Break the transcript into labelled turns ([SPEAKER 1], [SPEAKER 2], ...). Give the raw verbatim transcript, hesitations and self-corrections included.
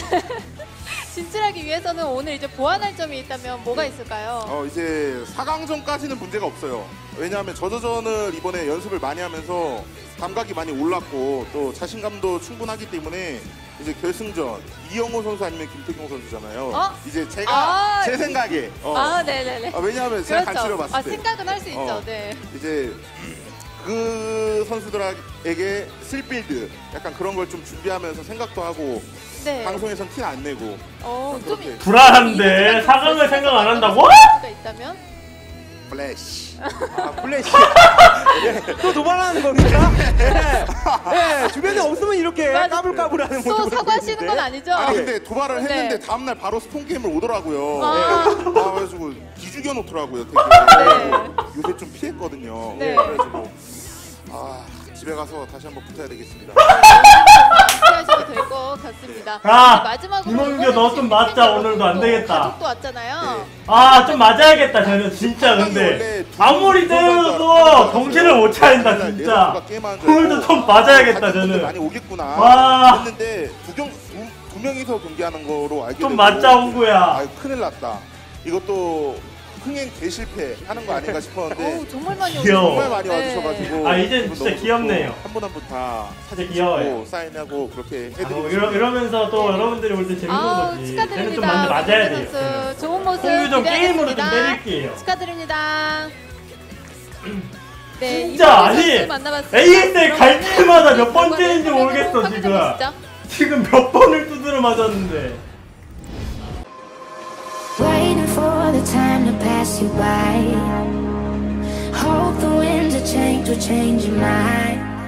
[SPEAKER 1] 진출하기 위해서는 오늘 이제 보완할 점이 있다면 뭐가 있을까요?
[SPEAKER 2] 어, 이제 사 강전까지는 문제가 없어요. 왜냐하면 저저전을 이번에 연습을 많이 하면서 감각이 많이 올랐고 또 자신감도 충분하기 때문에 이제 결승전 이영호 선수 아니면 김태경 선수잖아요.
[SPEAKER 1] 어?
[SPEAKER 2] 이제 제가
[SPEAKER 1] 아,
[SPEAKER 2] 제 생각에 어,
[SPEAKER 1] 아, 네네네.
[SPEAKER 2] 아, 왜냐하면 제가
[SPEAKER 1] 그렇죠.
[SPEAKER 2] 간치를 봤을
[SPEAKER 1] 아,
[SPEAKER 2] 때
[SPEAKER 1] 생각은 할 수 있죠.
[SPEAKER 2] 어,
[SPEAKER 1] 네.
[SPEAKER 2] 이제 그 선수들에게 쓸빌드 약간 그런 걸 좀 준비하면서 생각도 하고
[SPEAKER 1] 네.
[SPEAKER 2] 방송에선 티 안 내고
[SPEAKER 1] 어, 좀
[SPEAKER 2] 그렇게.
[SPEAKER 3] 불안한데 사 강을 생각 안 한다고?
[SPEAKER 1] 가 있다면?
[SPEAKER 2] 플래시
[SPEAKER 4] 아, 플래시. 네, 또 도발하는 겁니까? 네. 네, 주변에 없으면 이렇게
[SPEAKER 1] 맞아.
[SPEAKER 4] 까불까불하는
[SPEAKER 1] 또
[SPEAKER 4] 모습을
[SPEAKER 1] 사과하시는
[SPEAKER 4] 보이는데.
[SPEAKER 1] 건 아니죠?
[SPEAKER 2] 아니 근데 도발을 했는데
[SPEAKER 1] 네.
[SPEAKER 2] 다음날 바로 스폰 게임을 오더라고요.
[SPEAKER 1] 아.
[SPEAKER 2] 아, 그래가지고 기죽여 놓더라고요. 되게
[SPEAKER 1] 네.
[SPEAKER 2] 요새 좀 피했거든요.
[SPEAKER 1] 네.
[SPEAKER 2] 그래가지고 아 집에 가서 다시 한번 붙어야 되겠습니다.
[SPEAKER 1] 하셔도 될 것 같습니다.
[SPEAKER 3] 아,
[SPEAKER 1] 마지막으로
[SPEAKER 3] 이몽규 너 좀 맞자. 오늘도 안 되겠다.
[SPEAKER 1] 가족도 왔잖아요.
[SPEAKER 3] 아, 좀 맞아야겠다. 저는 진짜 근데 아무리 때려도 정신을 못 차린다 진짜. 오늘도 좀 맞아야겠다 저는.
[SPEAKER 2] 많이 오겠구나
[SPEAKER 3] 와.
[SPEAKER 2] 했는데 두, 경, 두, 두 명이서 경기하는 거로 알게
[SPEAKER 3] 좀
[SPEAKER 2] 되고
[SPEAKER 3] 맞자 옹구야.
[SPEAKER 2] 아 큰일 났다. 이것도 흥행 대실패 하는 거 아닌가 싶었는데
[SPEAKER 1] 어우, 정말 많이
[SPEAKER 3] 귀여워.
[SPEAKER 2] 정말 많이
[SPEAKER 1] 네.
[SPEAKER 2] 와주셔가지고
[SPEAKER 3] 아, 이젠 진짜 귀엽네요.
[SPEAKER 2] 한 분 한 분 다 사진
[SPEAKER 3] 진짜 귀여워요.
[SPEAKER 2] 찍고 사인하고 그렇게
[SPEAKER 3] 아,
[SPEAKER 2] 해드리고
[SPEAKER 3] 뭐 이러, 이러면서 또
[SPEAKER 1] 네.
[SPEAKER 3] 여러분들이 올 때 재밌는
[SPEAKER 1] 아우,
[SPEAKER 3] 거지. 쟤는 좀
[SPEAKER 1] 축하드립니다.
[SPEAKER 3] 많이 맞아야
[SPEAKER 1] 선수.
[SPEAKER 3] 돼요.
[SPEAKER 1] 좋은 모습
[SPEAKER 3] 공유 좀 게임으로 좀
[SPEAKER 1] 기대하겠습니다.
[SPEAKER 3] 때릴게요.
[SPEAKER 1] 축하드립니다. 네,
[SPEAKER 3] 진짜
[SPEAKER 1] 이몽규
[SPEAKER 3] 아니,
[SPEAKER 1] 선수 만나봤습니다.
[SPEAKER 3] 에이에스엘 갈
[SPEAKER 1] 그럼
[SPEAKER 3] 때마다 몇
[SPEAKER 1] 오늘
[SPEAKER 3] 번째인지
[SPEAKER 1] 결과를
[SPEAKER 3] 모르겠어,
[SPEAKER 1] 확인해
[SPEAKER 3] 지금.
[SPEAKER 1] 보시죠.
[SPEAKER 3] 지금 몇 번을 두드려 맞았는데.
[SPEAKER 5] Waiting for the time to pass you by. Hope the winds of change will change your mind.